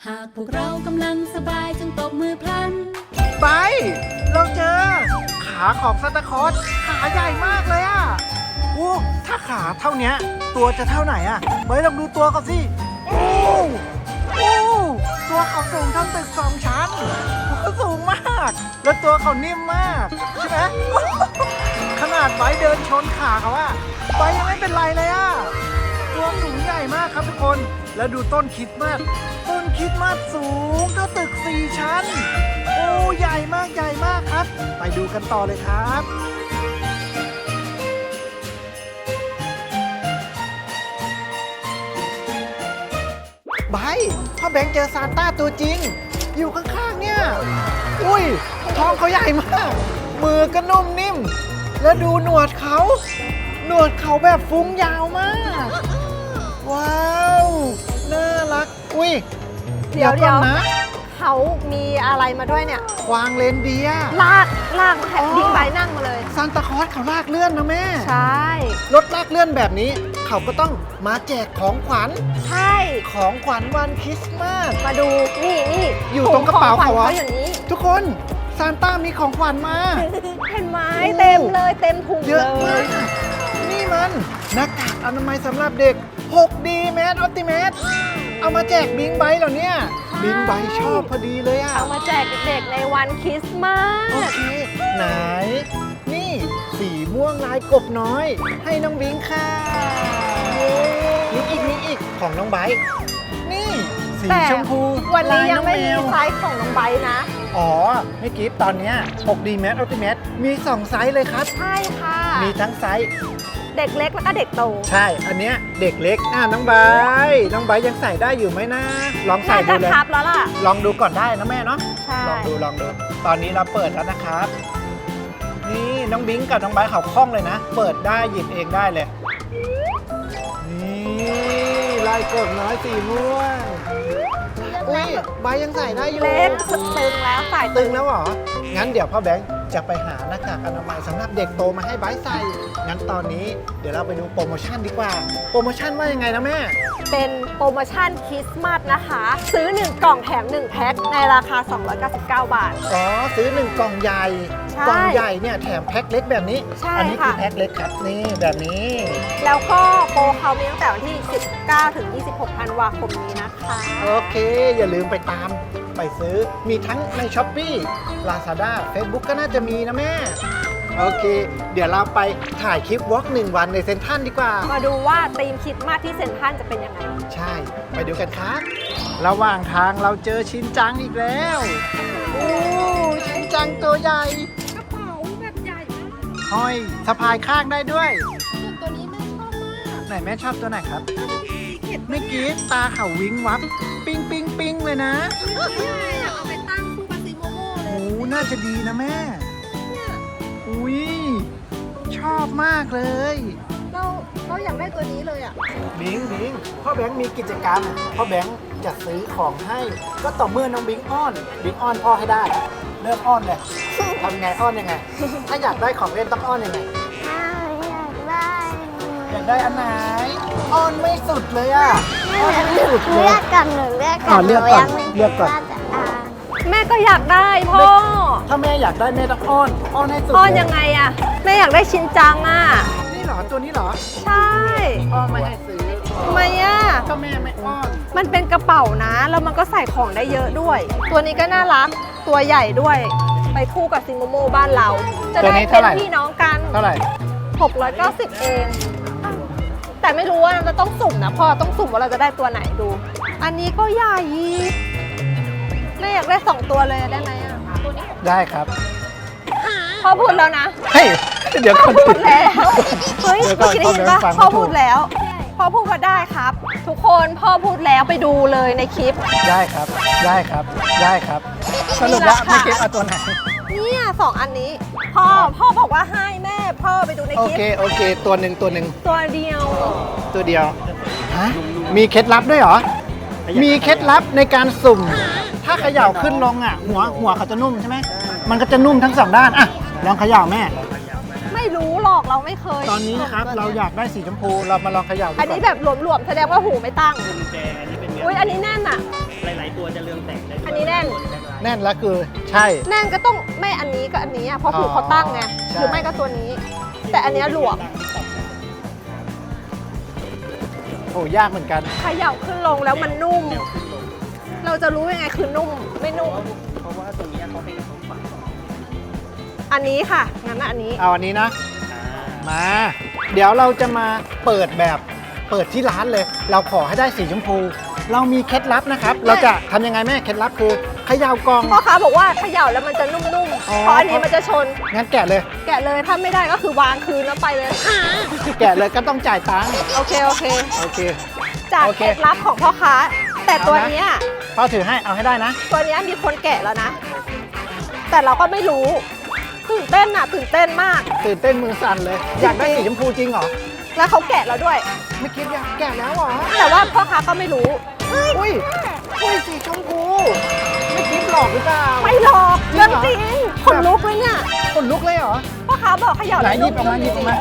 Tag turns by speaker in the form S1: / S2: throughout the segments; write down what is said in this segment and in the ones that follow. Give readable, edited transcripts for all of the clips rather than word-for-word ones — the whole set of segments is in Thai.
S1: ากพวกเรากำลังสบายจงตบมือพลัน
S2: ไปเราเจอขาของซานตาคลอสขาใหญ่มากเลยอ่ะโอ้ถ้าขาเท่านี้ตัวจะเท่าไหนอ่ะไปลองดูตัวเขาสิโอ้ตัวเขาสูงเท่าตึก2 ชั้นเขาสูงมากแล้วตัวเขานิ่มมากใช่ไหมขนาดไบเดินชนขาเขาอะไบยังไม่เป็นไรเลยอะตัวสูงใหญ่มากครับทุกคนแล้วดูต้นคริสต์มาสสูงเท่าตึก4 ชั้นโอ้ใหญ่มากครับไปดูกันต่อเลยครับไบพ่อแบงค์เจอซานต้าตัวจริงอยู่ข้างๆเนี่ยอุ้ยท้องเขาใหญ่มากมือก็นุ่มนิ่มแล้วดูหนวดเขาแบบฟุ้งยาวมากว้าวน่ารักอุ้ย
S3: เดี๋ยว
S2: นะ
S3: เขามีอะไรมาด้วยเนี่ย
S2: กวางเลนเดียร์
S3: ลากบิ๊กไบค์นั่งมาเลย
S2: ซานตาคลอสเขาลากเลื่อนนะแม่
S3: ใช่
S2: รถลากเลื่อนแบบนี้เขาก็ต้องมาแจกของขวัญ
S3: ใช่
S2: ของขวัญวันคริสต์มาส
S3: มาดูนี่
S2: อยู่ตรงกระเป๋าเขา
S3: อย่างนี้
S2: ทุกคนซานต้ามีของขวัญมา
S3: เห็นไหมเต็มเลยเต็มถุง
S2: เยอะมากนี่มันหน้ากากอนามัยสำหรับเด็ก 6D Mask Optimus เอามาแจกบิงไบค์เหรอเนี่ยบิงไบค์ชอบพอดีเลยอะ
S3: เอามาแจกเด็กๆในวันคริสต์มาส
S2: โอเคไหนนี่สีม่วงลายกบน้อยให้น้องบิงค่ะมีอีกของน้องไบค์นี่สีชมพู
S3: วันนี้ยังไม่มีไซส์ของน้องไบค์นะ
S2: อ๋อไม่กิฟตอนนี้ 6D Mask Optimus มี2 ไซส์เลยครับ
S3: ใช่ค่ะ
S2: มีทั้งไซส์
S3: เด็กเล็กแล้วก็เด็กโต
S2: ใช่อันเนี้ยเด็กเล็กน้องไบยังใส่ได้อยู่ไหมนะลองใส่ดูเลย
S3: ครับแล้วล่ะ
S2: ลองดูก่อนได้นะแม่เนาะ
S3: ใช่
S2: ลองดูตอนนี้เราเปิดแล้วนะครับนี่น้องบิงกับน้องไบเขาคล่องเลยนะเปิดได้หยิบเองได้เลยนี่ลายกดน้อยสีม่วงอุ้ยไบยังใส่ได้อยู่
S3: เล็กตึงแล้วใส่
S2: ตึงแล้วเหรองั้นเดี๋ยวพ่อแบงค์จะไปหาหน้ากากอนามัยสำหรับเด็กโตมาให้ไบใส่งั้นตอนนี้เดี๋ยวเราไปดูโปรโมชั่นดีกว่าโปรโมชั่นว่ายังไงนะแม่
S3: เป็นโปรโมชั่นคริสต์มาสนะคะซื้อ1 กล่องแถม1 แพ็คในราคา299 บาท
S2: อ๋อซื้อ1 กล่องใหญ่กล่องใหญ่เนี่ยแถมแพ็คเล็กแบบนี้อันี้คือแพ็คเล็กครับนี่แบบนี้
S3: แล้วก็โปรเขามีตั้งแต่วันที่19ถึง26ธันวาคมนี้นะคะ
S2: โอเคอย่าลืมไปตามไปซื้อมีทั้งใน Shopee Lazada Facebook ก็น่าจะมีนะแม่โอเคเดี๋ยวเราไปถ่ายคลิปวอล์ก1 วันในเซ็นทรัลดีกว่า
S3: มาดูว่าธีมคริสต์มาสที่เซ็นทรัลจะเป็นยังไง
S2: ใช่ไปดูกันครับระหว่างทางเราเจอชินจังอีกแล้วโอ้ชินจังตัวใหญ่
S3: กระเป๋าแบบใหญ่
S2: ห้อยสะพายข้างได้ด้วย
S3: ตัวนี้แม่ชอบมาก
S2: ไหนแม่ชอบตัวไหนครับเมื่อกี้ตาเขาวิงวับปิ้งเลยนะ
S3: อยากเอาไปตั้งคู่กับซีโมโม่เลย
S2: โอ้น่าจะดีนะแม่อุ้ยชอบมากเลย
S3: เราอยากได้ตัวนี้เลยอ่ะ
S2: บิงพ่อแบงค์มีกิจกรรมพ่อแบงค์จะซื้อของให้ก็ต่อเมื่อน้องบิงอ้อนพ่อให้ได้เริ่มอ้อนเลยทำไงอ้อนยังไงถ้าอยากได้ของเล่นต้องอ้อนยังไงอยากได้อันไหนอ้อนไม่สุดเลยอ่ะอ้อนไม่สุดเลย
S4: เลือกก่อนเลือกก่อน
S3: แม่ก็อยากได้พ่อ
S2: ถ้าแม่อยากได้แม่ต้องอ้อนให้สุด
S3: อ้อนยังไงอ่ะแม่อยากได้ชินจังอ่ะ
S2: นี่เหรอตัวนี้เหรอ
S3: ใช่
S2: อ้อนไม่ให้ซื้อ
S3: ทำไมอ่ะ
S2: ก็แม่ไม่อ้อน
S3: มันเป็นกระเป๋านะแล้วมันก็ใส่ของได้เยอะด้วยตัวนี้ก็น่ารักตัวใหญ่ด้วยไปคู่กับซิโมโมบ้านเราจะได้เป็นพี่น้องกัน
S2: เท่าไหร่
S3: 690เองแต่ไม่รู้ว่าเราต้องสุ่มนะพ่อต้องสุ่มว่าเราจะได้ตัวไหนดูอันนี้ก็ใหญ่แม่อยากได้2 ตัวเลยได้ไหมอ่ะตัวนี้
S2: ได้ครับ
S3: พ่อพูดแล้วนะ
S2: เฮ้ยเดี๋ยว
S3: พ่อพูดแล้วเฮ้ยเมื่อกี้ได้ยินปะพ่อพูดแล้วพ่อพูดว่าได้ครับทุกคนพ่อพูดแล้วไปดูเลยในคลิป
S2: ได้ครับสรุปว่าไม่คลิปเอาตัวไหน
S3: เนี่ย2 อันนี้พ่อบอกว่าให้แม่พ่อไปดูในคลิป
S2: โอเคตัวหนึ่ง
S3: ตัวเดียว
S2: ฮะมีเคล็ดลับด้วยเหรอมีเคล็ดลับในการสุ่มถ้าเขย่าขึ้นลงอ่ะหัวเขาจะนุ่มใช่ไหมมันก็จะนุ่มทั้ง2 ด้านอ่ะลองเขย่าแม่
S3: ไม่ไม่รู้หรอกเราไม่เคย
S2: ตอนนี้นะครับเราอยากได้สีชมพูเรามาลองเขย่าดู
S3: อันนี้
S2: ก่
S3: แบบหลวมๆแสดงว่าหูไม่ตั้ง
S4: กุญแจอันนี้เป็นเนื้
S3: อุ้ยอันนี้แน่นอ่ะ
S4: หลายๆตัวจะเรืองแสงได้ด้วย
S3: อันนี้แน่น
S2: แน่นแล้วคือใช่
S3: แน่นก็ต้องไม่อันนี้ก็อันนี้อ่ะเพราะหูเขาตั้งไง
S2: ใช่
S3: หรือไม่ก็ตัวนี้ แต่อันเนี้ยหลวม
S2: โอ้ยากเหมือนกัน
S3: เขย่าขึ้นลงแล้วมันนุ่ม
S4: แนวขึ้นลง
S3: เราจะรู้ยังไงคือนุ่มไม่นุ่ม
S4: เพราะว่าตรงนี้เขาให้กระทบฝั่ง
S3: อันนี้ค่ะงั้นอันนี้
S2: เอาอันนี้นะ
S4: อ่า
S2: มา เดี๋ยวเราจะมาเปิดแบบเปิดที่ร้านเลย เราขอให้ได้สีชมพู เรามีเคล็ดลับนะครับ เราจะทำยังไงแม่เคล็ดลับคือเขย่ากล่อง
S3: พ่อค้าบอกว่าเขย่าแล้วมันจะนุ่มๆ
S2: อ๋อ
S3: เพราะอันนี้มันจะชน
S2: งั้นแกะเลย
S3: แกะเลยถ้าไม่ได้ก็คือวางคืนแล้วไปเลย
S2: แกะเลยก็ต้องจ่ายตังค์
S3: โอเคโอเค
S2: โอเค
S3: จาก
S2: โอเค
S3: เคล็ดลับของพ่อค้า แต่ตัวเนี้ย
S2: พ่อถือให้เอาให้ได้นะ
S3: ตัวเนี้ยมีคนแกะแล้วนะ แต่เราก็ไม่รู้ตื่นเต้นอ่ะตื่นเต้นมาก
S2: ตื่นเต้นมือสั่นเลย อยากได้สีชมพูจริงเหรอ
S3: แล้วเขาแกะเราด้วย
S2: ไม่คิดอยากแกะแล้วเหรอ
S3: แต่ว่าพ่อค้าก็ไม่รู้
S2: อุ้ยอุ้ยสีชมพู ไม่คิดหลอกหรือเปล่า
S3: ไม่หลอก
S2: จริ
S3: เรื่อง
S2: งเหรอ
S3: จริงขนลุกเลยเนี่ย
S2: ขนลุกเลยเหรอ
S3: พ่อค้าบอกเขย่า
S2: ไหน
S3: แล้ว
S2: หยิบออกมาหยิบออกมา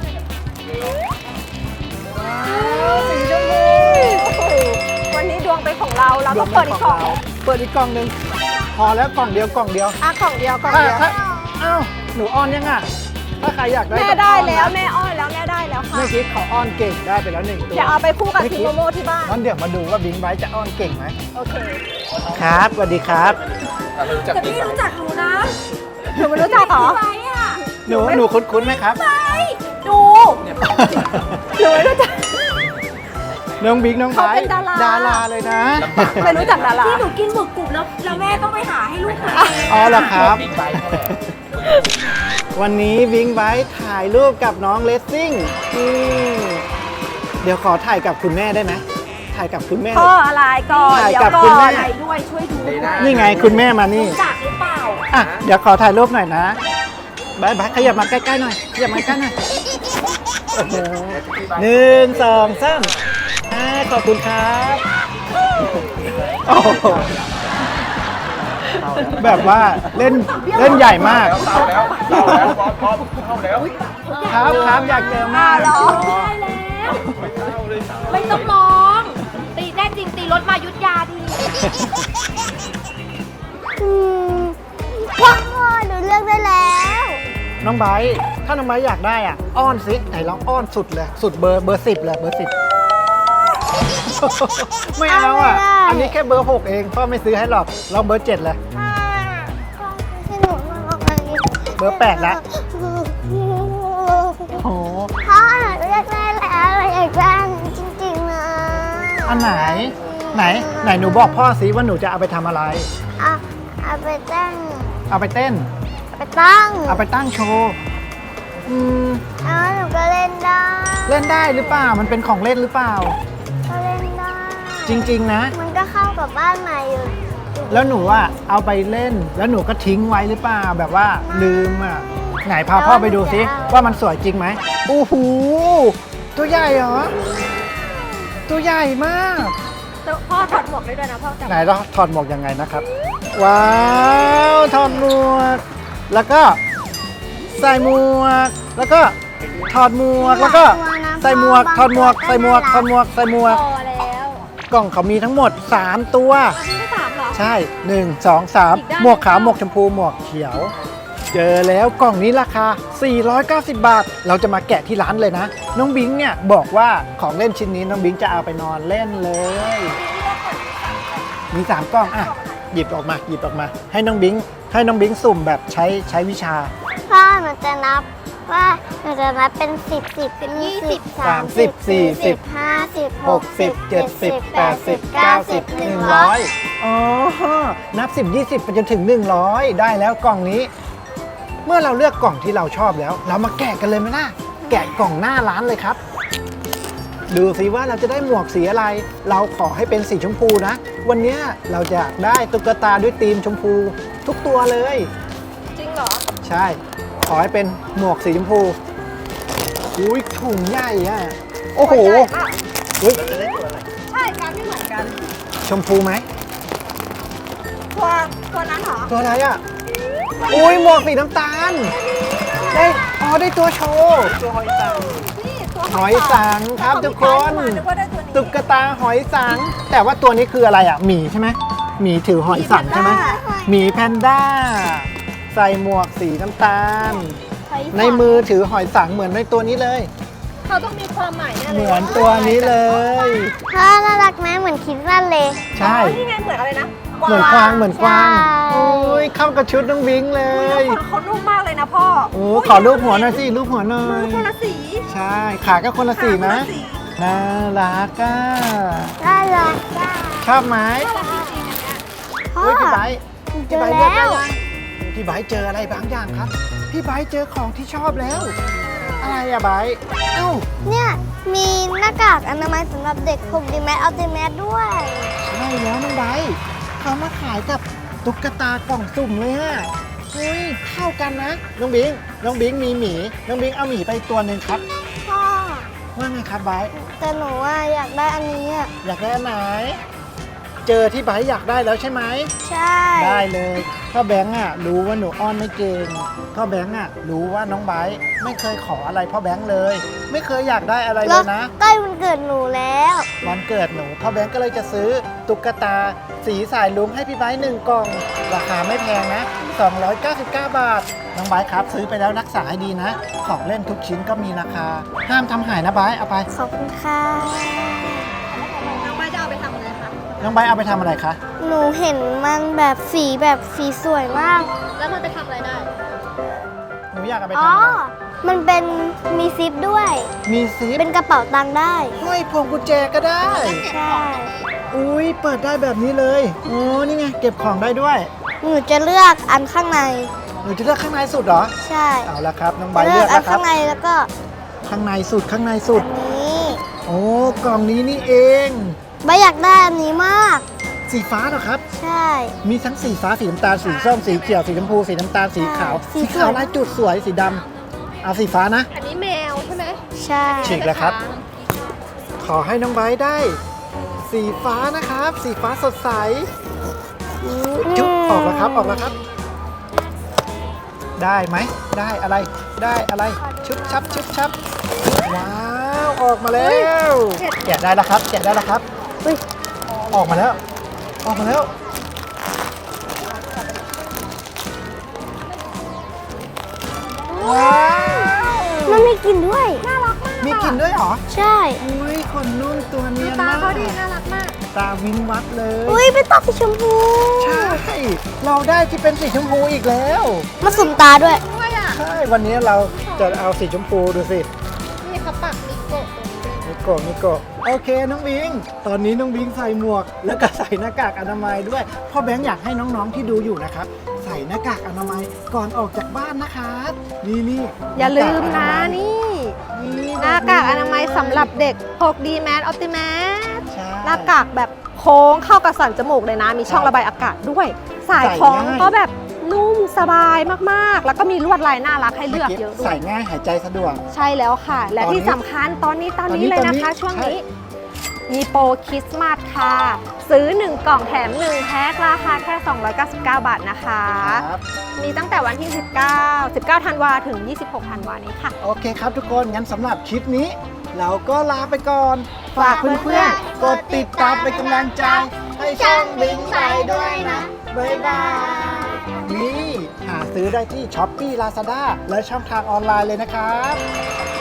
S2: ว้าวสีชมพู
S3: โอ้โหวันนี้ดวงเป็นของเราเราต้องเปิดอีกกล่อง
S2: เปิดอีกกล่องหนึ่งพอแล้วกล่องเดียวกล่องเดียว
S3: อ่ะกล่องเดียวกล่อง
S2: ถ้า
S3: เดียว
S2: ถ้าอ้าวหนูอ้อนยังอ่ะถ้าใครอยากได้
S3: แม่
S2: ก็
S3: ได้
S2: อ้อนนะ
S3: แล้วแม่อ้อนแล้วแม่ได้แล้วค่ะ
S2: เมื่อกี้เขาอ้อนเก่งได้ไปแล้วหนึ่งตัว
S3: เดี๋ยวเอาไปคู่กับ
S2: ไม่
S3: ที
S2: คิด
S3: โมโมที่บ้าน
S2: งั้นเดี๋ยวมาดูว่าบิงไบท์จะอ้อนเก่งไหม
S3: โอเค
S2: ครับสวัสดีครับ
S1: แต่พี่รู้จักหนูนะ
S3: หนูไม่รู้จักเหรอ
S1: ไปอ่ะ
S2: หนูคุ้นๆไหมครับ
S3: ดู หนูไม่รู้จัก
S2: น้องบิ๊กน้องไบ
S3: เขาเป็
S2: ท์
S3: นดารา
S2: ดาราเลยนะ
S3: ไม่รู้จักดารา
S1: ที่หนูกินหมึกกรุบแล้วแม่ต้องไปหาให้ลูกหาเอง
S2: อ๋อเหรอครับ วันนี้บิงไบท์ถ่ายรูปกับน้องเลสซิ่งเดี๋ยวขอถ่ายกับคุณแม่ได้ไหมถ่ายกับคุณแม่
S3: พ่ออะไรก่อน
S2: ถ่าย
S3: เดี๋ยว
S2: กับ
S3: ก่
S2: คุณ
S3: อ
S2: แม่
S3: น
S1: ไปด้วยช่วยดูด้วย
S2: นี่ไงคุณแม่มานี่
S1: รู้จักหรือเปล่า
S2: อ่ะเดี๋ยวขอถ่ายรูปหน่อยนะบายบายขยับมาใกล้ๆหน่อยขยับมาใกล้หน่อยโอ้โหหนึ่งสองสามขอบคุณครับโอ้โหแบบว่าเล่นใหญ่มาก
S4: เข้าแล้วบอสเข้าแล้ว
S2: ครับอยากเจอมาก
S1: ได้แล้ว ไม่ต้องมอง ตีแน่จริงตีรถมายุทธยาที
S5: พ่อหนูเลือกได้แล้ว
S2: น้องไบร์ทถ้าน้องไบร์ทอยากได้อ่ะอ้อนสิไหนลองอ้อนสุดเลยสุดเบอร์10เลยเบอร์10 ไม่เอาอ่ะ อันนี้แค่เบอร์6เองพ่อไม่ซื้อให้หรอกลองเบอร์7เลย เบอร์8ละ โอ้โห
S5: พ่อหนูเลือกได้แล้วอยากได้จริงๆนะ
S2: อันไหนหนูบอกพ่อสิว่าหนูจะเอาไปทำอะไร
S5: เอาไปตั้ง
S2: เอาไปเต้น
S5: ไปตั้ง
S2: เอาไปตั้งโชว์ม
S5: แล้วหนูก็เล่นได้
S2: เล่นได้หรือเปล่ามันเป็นของเล่นหรือเปล่า
S5: ก็เล่นได้
S2: จริง ๆ นะ
S5: มันก็เข้ากับบ้านใหม่อยู่
S2: แล้วหนูอ่ะเอาไปเล่นแล้วหนูก็ทิ้งไว้หรือเปล่าแบบว่าลืมอ่ะไหนพาพ่อไปดูสิว่ามันสวยจริงไหมโอ้โหตัวใหญ่เหรอตัวใหญ่มาก
S3: พ่อถอดหมวกได้ด้วยนะพ่อจับ
S2: ไหนเราถอดหมวกยังไงนะครับ ว้าวถอดหมวก แล้วก็ใส่หมวก แล้วก็ถอดหมวกแล้วก็ใส่หมวกถอดหมวกใส่หมวกถอดหมวกใส่หมวก
S3: พอแล้ว
S2: กล่องเขามีทั้งหมด 3 ตัว
S3: อันนี้ไม่3เหรอ
S2: ใช่ 1 2 3 หมวกขาวหมวกชมพูหมวกเขียว เจอแล้วกล่องนี้ราคา 490 บาท เราจะมาแกะที่ร้านเลยนะ น้องบิงเนี่ยบอกว่าของเล่นชิ้นนี้น้องบิงจะเอาไปนอนเล่นเลย มี 3 กล่องอ่ะหยิบออกมาให้น้องบิงสุ่มแบบใช้วิชา
S5: พ่อหนูจะนับว่าหนูจะนับเป็น10 20 30 40 50 60 70 80 90 100
S2: อ๋อ นับ 10 20 ไปจนถึง 100 ได้แล้วกล่องนี้ เมื่อเราเลือกกล่องที่เราชอบแล้ว เรามาแกะกันเลยไหมล่ะ แกะกล่องหน้าร้านเลยครับ ดูสิว่าเราจะได้หมวกสีอะไร เราขอให้เป็นสีชมพูนะ วันนี้เราจะได้ตุ๊กตาด้วยธีมชมพูทุกตัวเลย
S3: จริงเหรอ
S2: ใช่ ขอให้เป็นหมวกสีชมพูอุ้ยถุงใหญ่อะโอ้โหอุ๊ย
S3: ใช่การไม่เหมือนกัน
S2: ชมพูไหม
S3: ตัวนั้นเหรอ
S2: ตัวอะไรอะอุ้ยหมวกสีน้ำตาลได้ตัวโชว์
S4: ตัวหอยสัง
S3: นี่ตัว
S2: หอยสังครับทุกคน
S3: นึกว่าได้ตัวนี้
S2: ตุ๊กตาหอยสัง แต่ว่าตัวนี้คืออะไรอ่ะหมีใช่ไหมหมีถือหอยสังใช่ไหมหมีแพนด้าใส่หมวกสีน้ำตาล ในมือถือหอยสังเหมือนในตัวนี้เลย
S3: เขาต้องมีความหมายแน่เลย
S2: เหมือนตัวนี้เลย
S5: พ่อน่ารักไหมเหมือนคิดสั้นเลย
S2: ใช่
S3: นี่ไงเหมือนอะไรนะ
S2: เหมือนกวางเหมือนกวาง
S5: ใช่
S2: โอ้ยเข้ากับชุดน้องบิงเล
S3: เฮ้
S2: ย
S3: ยเขานุ่มมากเลยนะพ่อ
S2: โอ้ขอรูปหัวหน่อยสิรูปหัวหน่อ
S3: มือย คนละสี
S2: ใช่ขาก็คนละสีนะ
S3: ขาคนลสี
S2: น่ารักอ่ะ
S5: น่ารักจ้า
S2: ชอบไหม
S5: พ่อ
S2: เฮ้ยพี่ไบร์ท
S5: เจอแล้ว
S2: พี่ไบร์ทเจออะไรบางอย่างครับ พี่ไบร์ทเจอของที่ชอบแล้ว อะไรอะไบร์ทเอ้า
S5: เนี่ยมีหน้ากากอนามัยสำหรับเด็กพกดีแมสอัลติแมสด้วย
S2: ใช่แล้วน้องไบร์ทเขามาขายกับตุ๊กตากล่องสุ่มเลยฮะเฮ้ยเข้ากันนะน้องบิงมีหมีน้องบิงเอาหมีไปตัวหนึ่งครับ
S5: พ่อ
S2: ว่าไงครับไบร์ท
S5: แต่หนูว่าอยากได้อันนี้อ่ะ
S2: อยากได้อันไหน เจอที่ไบร์ทอยากได้แล้วใช่ไหม
S5: ใช่
S2: ได้เลยพ่อแบงค์อ่ะรู้ว่าหนูอ้อนไม่เก่งพ่อแบงค์อ่ะรู้ว่าน้องไบร์ทไม่เคยขออะไรพ่อแบงค์เลย ไม่เคยอยากได้อะไรเล
S5: แล้ว
S2: ยนะ
S5: ใกล้วันเกิดหนูแล้ว
S2: วันเกิดหนูพ่อแบงค์ก็เลยจะซื้อตุ๊กตาสีสายลุ้งให้พี่ไบร์ท1 กล่อง ราคาไม่แพงนะ 299 บาทน้องไบร์ทครับซื้อไปแล้วรักษาให้ดีนะ ของเล่นทุกชิ้นก็มีราคา ห้ามทำหายนะไบร์ทเอาไป
S5: ขอบคุณค่ะ
S3: น้องไม้จะเอาไปทำอะไรคะ
S2: น้องไบร์ทเอาไปทำอะไรคะ
S5: หนูเห็นมันแบบสีสวยมาก
S3: แล้วมันไปทำอะไรได้
S2: หนูอยากเอาไป
S5: อ๋
S2: ทำ
S5: อ
S2: อะไร
S5: มันเป็นมีซิปด้วย
S2: มีซิป
S5: เป็นกระเป๋าตังค์ได้
S2: ห้อยพวงกุญแจก็ได้
S5: ใช่
S2: อุ้ยเปิดได้แบบนี้เลยโอ้นี่ไงเก็บของได้ด้วย
S5: หนูจะเลือกอันข้างใน
S2: หนูจะเลือกข้างในสุดเหรอ
S5: ใช่
S2: เอาละครับน้องใบ
S5: จะ
S2: ร์ท
S5: เลื
S2: เลื
S5: อ
S2: อก ก
S5: อัน
S2: แล้วครั
S5: ข้า
S2: บ
S5: งในแล้วก็
S2: ข้างในสุดข้างในสุด
S5: นี้
S2: โอ้กล่องนี้นี่เอง
S5: ใบอยากได้อันนี้มาก
S2: สีฟ้าเหรอครับ
S5: ใช่
S2: มีทั้งสีฟ้าสีน้ำตาลสีส้มสีเขียวสีชมพูสีน้ำตาลสีขาว
S5: สี
S2: สี
S5: สวย
S2: ขาวลายจุดสวยสีดำเอาสีฟ้านะ
S3: อันนี้แมวใช่ไหม
S5: ใช่
S2: ฉีกแล้วครับ ขอให้น้องใบร์ทได้ สีฟ้านะครับ สีฟ้าสดใสจุ๊บออกแล้วครับออกแล้วครับ ได้ไหมได้อะไรได้อะไรชุบชับชุบชับว้าวออกมาแล้วแกะได้แล้วครับแกะได้แล้วครับ
S5: เฮ้ย
S2: ออกมาแล้ว ออกมาแล้วว้าว
S5: มันมีกลิ่นด้วย
S3: น่ารักมาก
S2: มีกลิ่นด้วยเหรอ
S5: ใช่
S2: อุ้ยขนนุ่นตัวเนียน
S3: ตาม
S2: าก
S3: เขาดีน่ารักมาก
S2: ตาวินวัดเลย
S5: อุ้ยเป็นตาสีชมพู
S2: ใช่ เราได้ที่เป็นสีชมพูอีกแล้ว
S5: มาสุ่มตาด้วย
S3: ด้วยอ่ะ
S2: ใช่ วันนี้เราจะเอาสีชมพูดูสิ
S3: นี่เขาปักมิโกะตรงนี้ด้วย
S2: มิโกะมิโกะโอเคน้องบิง ตอนนี้น้องบิงใส่หมวก แล้วก็ใส่หน้ากากอนามัยด้วยพ่อแบงค์อยากให้น้องๆที่ดูอยู่นะครับ ใส่หน้ากากอนามัยก่อนออกจากบ้านนะครับนี่นี่
S3: อย่าลืมนะ
S2: นี่
S3: นี่หน้ากากอนามัยสำหรับเด็กพกดีแมสออปติแมส
S2: ใช่
S3: หน้ากากแบบโค้งเข้ากับสันจมูกเลยนะ มีช่องระบายอากาศด้วย สายคล้อง
S2: ใส่ง่าย
S3: ก็แบบนุ่มสบายมากๆ แล้วก็มีลวดลายน่ารักให้เลือกเยอะด้ว
S2: ใส่
S3: ย
S2: ง่ายหายใจสะดวก
S3: ใช่แล้วค่ะ และที่สำคัญตอนนี้เลยนะคะ ช่วงนี้ มีโปรคริสต์มาสค่ะ ซื้อ 1 กล่องแถม 1 แพ็คราคาแค่ 299 บาทนะคะ
S2: ครับ
S3: มีตั้งแต่วันที่ 19 ธันวาถึง 26 ธันวานี้ค่ะ
S2: โอเคครับทุกคน งั้นสำหรับคลิปนี้ เราก็ลาไปก่อน ฝากเพื่อนๆ กดติดตามเป็นกำลังใจ ให้ช่องบิงไปด้วยนะ บ๊ายบาย นี่ หาซื้อได้ที่ Shopee Lazada และช่องทางออนไลน์เลยนะครับ